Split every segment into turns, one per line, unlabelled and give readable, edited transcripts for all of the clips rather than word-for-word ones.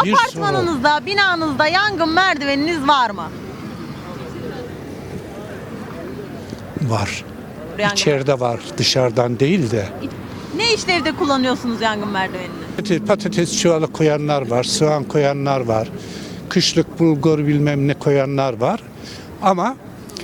Apartmanınızda, binanızda yangın merdiveniniz var mı?
Var.
Yangın
İçeride var, dışarıdan değil de.
Ne işlevde kullanıyorsunuz yangın merdivenini?
Patates çuvalı koyanlar var, soğan koyanlar var. Kışlık bulgur bilmem ne koyanlar var. Ama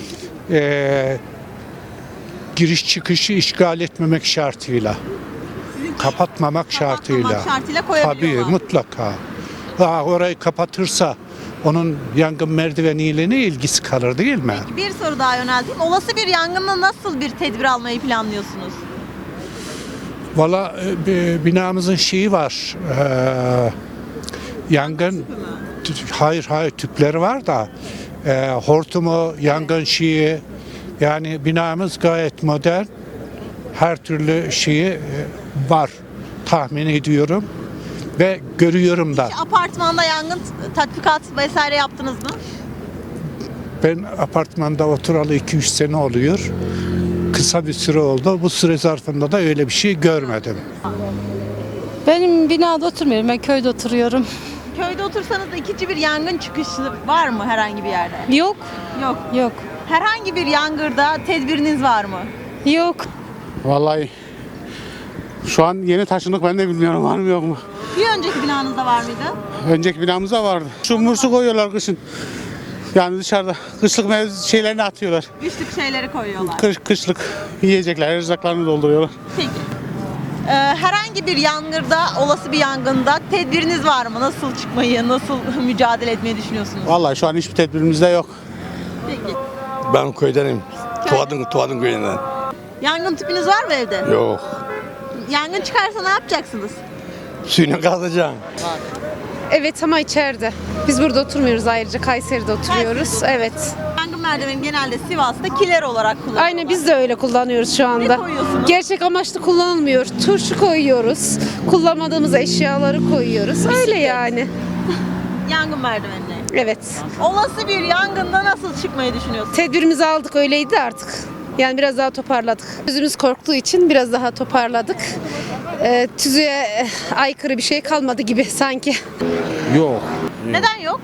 giriş çıkışı işgal etmemek şartıyla. Kapatmamak şartıyla.
Kapatmamak şartıyla
Tabii
koyabiliyorlar.
mutlaka. Orayı kapatırsa onun yangın merdiveniyle ne ilgisi kalır değil mi?
Peki bir soru daha yönelteyim. Olası bir yangında nasıl bir tedbir almayı planlıyorsunuz?
Valla binamızın şeyi var. Yangın hayır tüpleri var da hortumu, yangın şeyi, yani binamız gayet modern. Her türlü şeyi var tahmin ediyorum ve görüyorum da.
Apartmanda yangın tatbikat vesaire yaptınız mı?
Ben apartmanda oturalı 2-3 sene oluyor. Kısa bir süre oldu. Bu süre zarfında da öyle bir şey görmedim.
Benim binada oturmuyorum. Ben köyde oturuyorum.
Köyde otursanız da ikinci bir yangın çıkışı var mı herhangi bir yerde?
Yok.
Yok.
Yok.
Herhangi bir yangında tedbiriniz var mı?
Yok.
Vallahi şu an yeni taşındık, ben de bilmiyorum var mı yok mu.
Bir önceki binanızda var mıydı?
Önceki binamızda vardı. Şu mursu koyuyorlar kışın. Yani dışarıda kışlık şeylerini atıyorlar.
Güçlük şeyleri koyuyorlar.
Kışlık yiyecekler, erzaklarını dolduruyorlar.
Peki. Herhangi bir yangında, olası bir yangında tedbiriniz var mı? Nasıl çıkmayı, nasıl mücadele etmeyi düşünüyorsunuz?
Vallahi şu an hiçbir tedbirimiz de yok.
Peki.
Ben köydenim. Tuğadın köyünden.
Yangın tüpünüz var mı evde?
Yok.
Yangın çıkarsa ne yapacaksınız?
Suyunu kazacağım.
Evet ama içeride. Biz burada oturmuyoruz, ayrıca Kayseri'de oturuyoruz. Evet.
Yangın merdiveni genelde Sivas'ta kiler olarak kullanılıyor.
Aynen biz de öyle kullanıyoruz şu anda.
Ne koyuyorsunuz?
Gerçek amaçlı kullanılmıyor. Turşu koyuyoruz. Kullanmadığımız eşyaları koyuyoruz. Öyle yani.
Yangın merdivenine.
Evet.
Olası bir yangında nasıl çıkmayı düşünüyorsunuz?
Tedbirimizi aldık, öyleydi artık. Yani biraz daha toparladık. Gözümüz korktuğu için biraz daha toparladık. Tüzüğe aykırı bir şey kalmadı gibi sanki.
Yok.
Neden yok?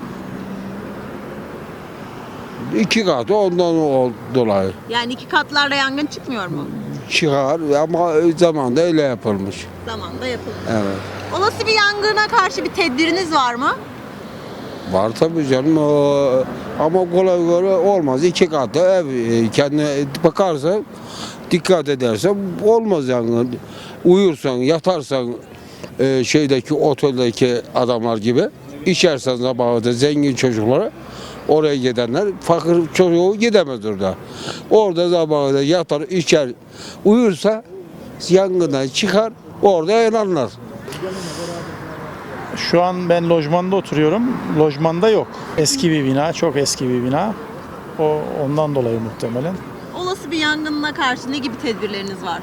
2 katı ondan dolayı
Yani iki katlarda yangın çıkmıyor mu?
çıkar ama zamanda öyle yapılmış.
Zamanında yapılır.
Evet.
Olası bir yangına karşı bir tedbiriniz var mı?
Var tabii canım ama kolay kolay olmaz. 2 katı ev kendine bakarsa, dikkat edersen olmaz yani. Uyursan, yatarsan şeydeki oteldeki adamlar gibi, içersen sabahı zengin çocuklara, oraya gidenler fakir çocuğu gidemez orada. Orada sabahı yatar, içer, uyursa yangından çıkar, orada yanarlar.
Şu an ben lojmanda oturuyorum. Lojmanda yok. Eski bir bina, çok eski bir bina. Ondan dolayı muhtemelen.
Olası bir yangına karşı ne gibi tedbirleriniz var?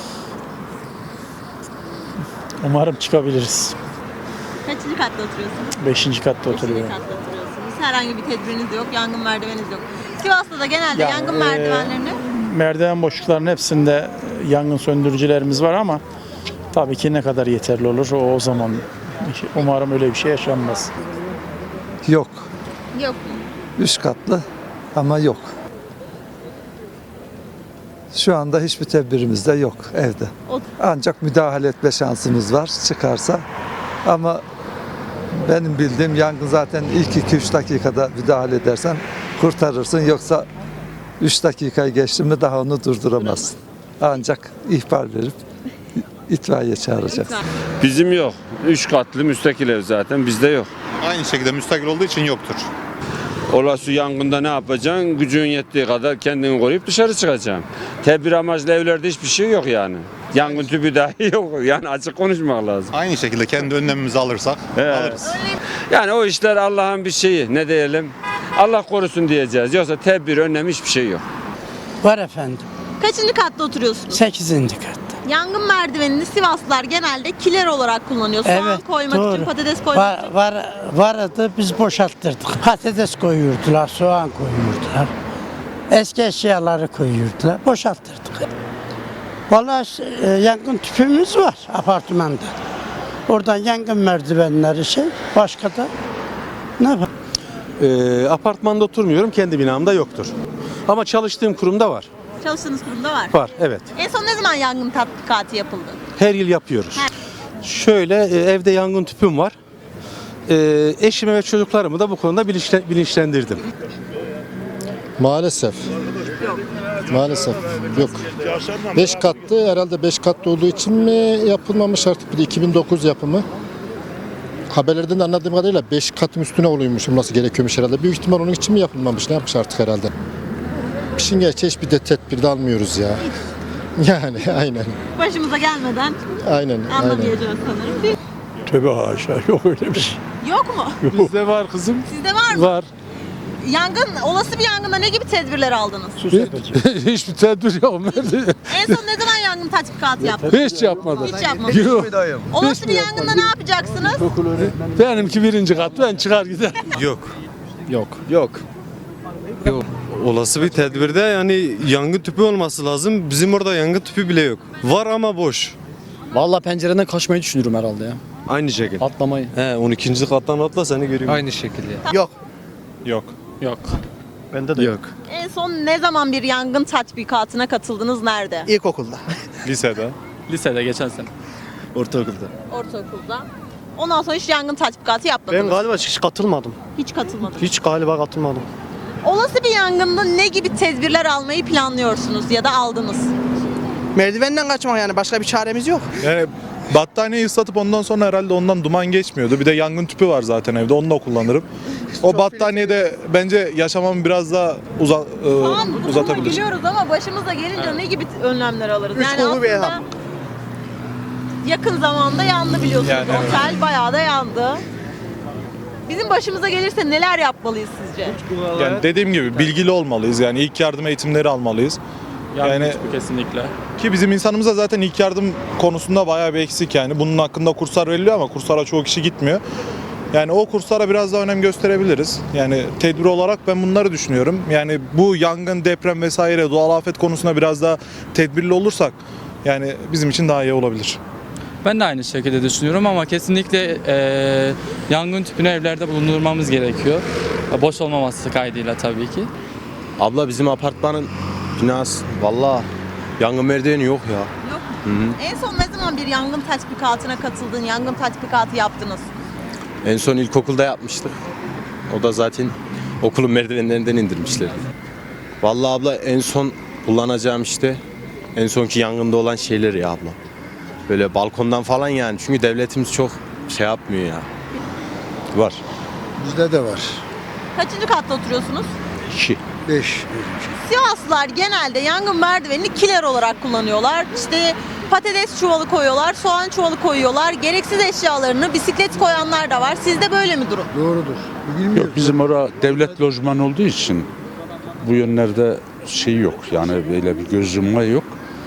Umarım çıkabiliriz.
Kaçıncı katta oturuyorsunuz?
5. katta
Beşinci
oturuyorum.
katta oturuyorsunuz. Herhangi bir tedbiriniz yok, yangın merdiveniniz yok. Sivas'ta da genelde
Yani,
yangın merdivenlerini
Merdiven boşluklarının hepsinde yangın söndürücülerimiz var ama tabii ki ne kadar yeterli olur o zaman. Umarım öyle bir şey yaşanmaz.
Yok.
yok.
3 katlı ama yok. Şu anda hiçbir tedbirimiz de yok evde. Ancak müdahale etme şansımız var çıkarsa. Ama benim bildiğim yangın zaten ilk 2-3 dakikada müdahale edersen kurtarırsın. Yoksa 3 dakikayı geçti mi daha onu durduramazsın. Ancak ihbar verip itfaiye çağıracaksın.
Bizim yok. 3 katlı müstakil ev zaten bizde yok.
Aynı şekilde müstakil olduğu için yoktur.
Olası yangında ne yapacaksın? Gücün yettiği kadar kendini koruyup dışarı çıkacaksın. Tedbir amaçlı evlerde hiçbir şey yok yani. Yangın tüpü dahi yok. Yani açık konuşmak lazım.
Aynı şekilde kendi önlemimizi alırsak alırız.
Yani o işler Allah'ın bir şeyi. Ne diyelim? Allah korusun diyeceğiz. Yoksa tedbir, önlem hiçbir şey yok.
Var efendim.
Kaçıncı katta oturuyorsunuz?
8. katta.
Yangın merdivenini Sivaslılar genelde kiler olarak kullanıyor. Soğan koymak için, patates koymak için.
Vardı biz boşalttırdık. Patates koyuyordular, soğan koyuyordular. Eski eşyaları koyuyordular, boşalttırdık. Vallahi yangın tüpümüz var apartmanda. Oradan yangın merdivenleri başka da ne var?
Apartmanda oturmuyorum, kendi binamda yoktur. Ama çalıştığım kurumda var.
Çalıştığınız kurumda var.
Var, evet.
En son ne zaman yangın tatbikatı yapıldı?
Her yıl yapıyoruz. Şöyle evde yangın tüpüm var. Eşimi ve çocuklarımı da bu konuda bilinçlendirdim.
Maalesef. Maalesef yok. 5 katlı, herhalde 5 katlı olduğu için mi yapılmamış, artık bir de 2009 yapımı. Haberlerden de anladığım kadarıyla 5 katın üstüne oluyormuş, nasıl gerekiyormuş herhalde. Büyük ihtimal onun için mi yapılmamış, ne yapmış artık herhalde. İşin gerçeği hiçbir de tedbir de almıyoruz ya. Yani aynen.
Başımıza gelmeden
Aynen.
anlamayacağız sanırım.
Tövbe haşa, yok öyle bir şey.
Yok mu?
Bizde var kızım.
Sizde var mı?
Var.
Olası bir yangında ne gibi tedbirler aldınız?
Hiçbir tedbir yok.
En son ne zaman yangın tatbikatı yaptınız?
Hiç yapmadım.
Hiç yapmadınız.
Yok.
Olası bir yangında ne yapacaksınız?
Benimki 1. kat, ben çıkar gider.
Yok. Olası bir tedbirde yani yangın tüpü olması lazım. Bizim orada yangın tüpü bile yok. Var ama boş.
Vallahi pencereden kaçmayı düşünürüm herhalde ya.
Aynı şekilde.
Atlamayı.
12. kattan atla seni göreyim.
Aynı şekilde.
Yok.
Yok.
Bende de yok.
En son ne zaman bir yangın tatbikatına katıldınız? Nerede?
İlkokulda. Lisede.
Lisede geçen sene.
Ortaokulda.
Ortaokulda. Ondan sonra hiç yangın tatbikatı yapmadınız.
galiba hiç katılmadım.
Hiç katılmadınız.
Hiç galiba katılmadım.
Olası bir yangında ne gibi tedbirler almayı planlıyorsunuz ya da aldınız?
Merdivenden kaçmak, yani başka bir çaremiz yok.
Yani battaniyeyi ıslatıp ondan sonra herhalde ondan duman geçmiyordu. Bir de yangın tüpü var zaten evde, onu da kullanırım. O battaniyede bence yaşamamı biraz daha
Tamam, bu duruma
uzatabilir.
gülüyoruz ama başımıza gelince ne gibi önlemler alırız?
Üç kolu bir
aslında
elham.
yakın zamanda yandı biliyorsunuz.
Yani evet.
Otel bayağı da yandı. Bizim başımıza gelirse neler yapmalıyız sizce?
Yani dediğim gibi bilgili olmalıyız. Yani ilk yardım eğitimleri almalıyız. Yani
kesinlikle.
ki bizim insanımıza zaten ilk yardım konusunda bayağı bir eksik yani. Bunun hakkında kurslar veriliyor ama kurslara çoğu kişi gitmiyor. Yani o kurslara biraz daha önem gösterebiliriz. Yani tedbir olarak ben bunları düşünüyorum. Yani bu yangın, deprem vesaire doğal afet konusunda biraz daha tedbirli olursak yani bizim için daha iyi olabilir.
Ben de aynı şekilde düşünüyorum ama kesinlikle yangın tüpünü evlerde bulundurmamız gerekiyor. Boş olmaması kaydıyla tabii ki.
Abla bizim apartmanın binası vallahi yangın merdiveni yok ya.
Yok mu? En son ne zaman bir yangın tatbikatına katıldın, yangın tatbikatı yaptınız?
En son ilkokulda yapmıştık. O da zaten okulun merdivenlerinden indirmişler. Vallahi abla en son kullanacağım işte en sonki yangında olan şeyler ya abla. Böyle balkondan falan yani. Çünkü devletimiz çok şey yapmıyor ya. Var.
Bizde de var.
Kaçıncı katta oturuyorsunuz?
2.
5.
Sivaslılar genelde yangın merdivenini kiler olarak kullanıyorlar. İşte patates çuvalı koyuyorlar, soğan çuvalı koyuyorlar. Gereksiz eşyalarını, bisiklet koyanlar da var. Sizde böyle mi durum?
Doğrudur. Bilmiyorum.
Bizim orada devlet lojman olduğu için bu yönlerde şey yok. Yani böyle bir göz yumma yok.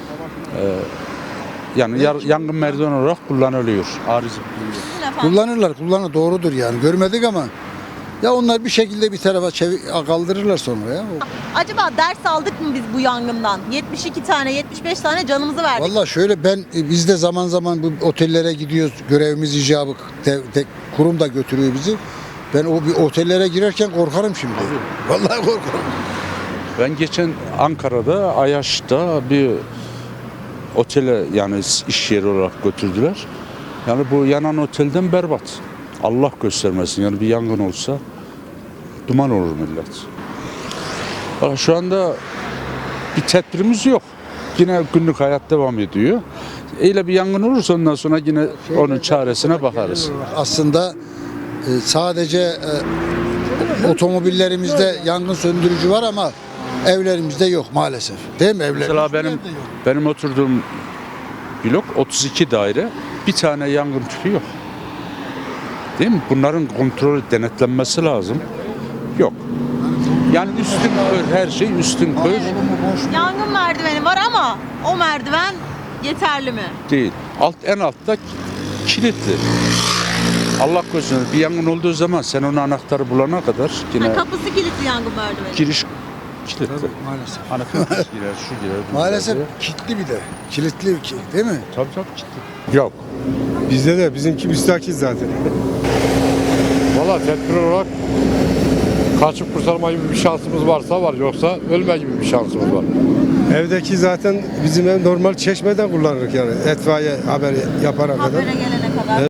Yani yangın merdiven olarak kullanılıyor.
Sizin efendim?
Kullanır doğrudur yani. Görmedik ama ya onlar bir şekilde bir tarafa kaldırırlar sonra ya.
Acaba ders aldık mı biz bu yangından? 72 tane, 75 tane canımızı verdik.
Vallahi şöyle biz de zaman zaman bu otellere gidiyoruz. Görevimiz icabı. Kurum da götürüyor bizi. Ben o bir otellere girerken korkarım şimdi. Vallahi korkarım.
Ben geçen Ankara'da Ayaş'ta bir otele yani iş yeri olarak götürdüler. Yani bu yanan otelden berbat. Allah göstermesin yani bir yangın olsa duman olur millet. Bak şu anda bir tedbirimiz yok. Yine günlük hayat devam ediyor. Öyle bir yangın olursa ondan sonra yine onun çaresine bakarız.
Aslında sadece otomobillerimizde yangın söndürücü var ama evlerimizde yok maalesef. Değil mi evlerimizde?
Mesela benim oturduğum blok 32 daire, bir tane yangın tüpü yok. Değil mi? Bunların kontrolü, denetlenmesi lazım. Yok. Yani üstün kör, her şey üstün kör
Yangın merdiveni var ama o merdiven yeterli mi?
değil. En altta kilitli. Allah korusun bir yangın olduğu zaman sen onun anahtarı bulana kadar yine
Kapısı kilitli yangın merdiveni.
giriş kilitli.
Maalesef.
Anahtar girer, şu girer. bu
Maalesef
girer.
kilitli bir de. Kilitli değil mi?
Tabii kilitli. Yok.
Bizde de bizimki müstakil zaten.
Valla tedbir olarak kaçıp kurtarma gibi bir şansımız varsa var, yoksa ölme gibi bir şansımız var.
Evdeki zaten bizim ev normal çeşmeden kullanırız yani itfaiye haberi yapana kadar.
Habere gelene kadar.